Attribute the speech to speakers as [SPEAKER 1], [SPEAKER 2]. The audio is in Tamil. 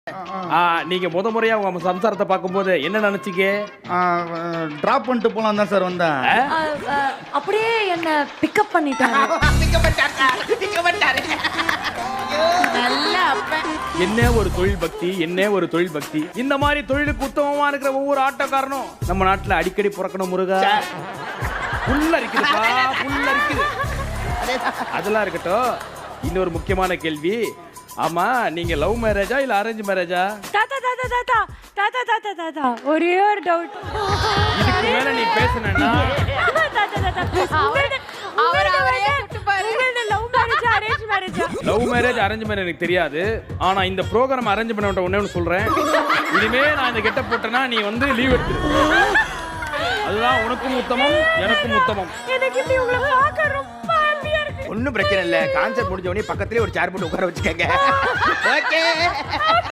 [SPEAKER 1] நீங்க முறையா உங்க சம்சாரத்தை பார்க்கும்போது என்ன நினைச்சீங்க?
[SPEAKER 2] டிராப் பண்ணிட்டு போலாம் தான் சார் வந்தேன்.
[SPEAKER 3] அப்படியே என்ன பிக்கப் பண்ணிட்டாரு.
[SPEAKER 1] என்ன ஒரு தொழில் பக்தி, என்ன ஒரு தொழில் பக்தி. இந்த மாதிரி தொழிலுக்கு உத்தமமா இருக்கிற ஒவ்வொரு ஆட்டோக்காரனும் நம்ம நாட்டுல அடிக்கடி பிறக்கணும் முருகா. புல்ல இருக்குதுப்பா, புல்ல இருக்குது. அதெல்லாம் இருக்கட்டும். இன்னொரு முக்கியமான கேள்வி. ஆமா, நீங்க லவ் மேரேஜா இல்ல அரேஞ்ச் மேரேஜா?
[SPEAKER 3] தாத்தா தாத்தா தாத்தா தாத்தா தாத்தா தாத்தா ஒரே ஒரு டவுட்.
[SPEAKER 1] இதுக்கு மேல நீ பேசணும்னா
[SPEAKER 3] தாத்தா தாத்தா அவரே சுட்டு பாரு. லவ் மேரேஜ் அரேஞ்ச் மேரேஜா?
[SPEAKER 1] லவ் மேரேஜ் அரேஞ்ச் மேரேஜ் எனக்கு தெரியாது. ஆனா இந்த ப்ரோகிராம் அரேஞ்ச் பண்ண ஒண்ணே சொல்றேன். இனிமே நான் இந்த கெட்ட போட்டேன்னா நீ வந்து லீவ் எடுத்து. அதுதான் உனக்கும் உத்தமம், எனக்கும் உத்தமம்.
[SPEAKER 3] எனக்கு இப்படி உங்களை பார்க்க ரொம்ப ஹாப்பியா இருக்கு.
[SPEAKER 4] ஒன்னும் பிரச்சனை இல்ல. கான்செப்ட் முடிஞ்ச உடனே பக்கத்துலயே ஒரு சேர் போட்டு உட்கார வச்சுக்கங்க. ஓகே.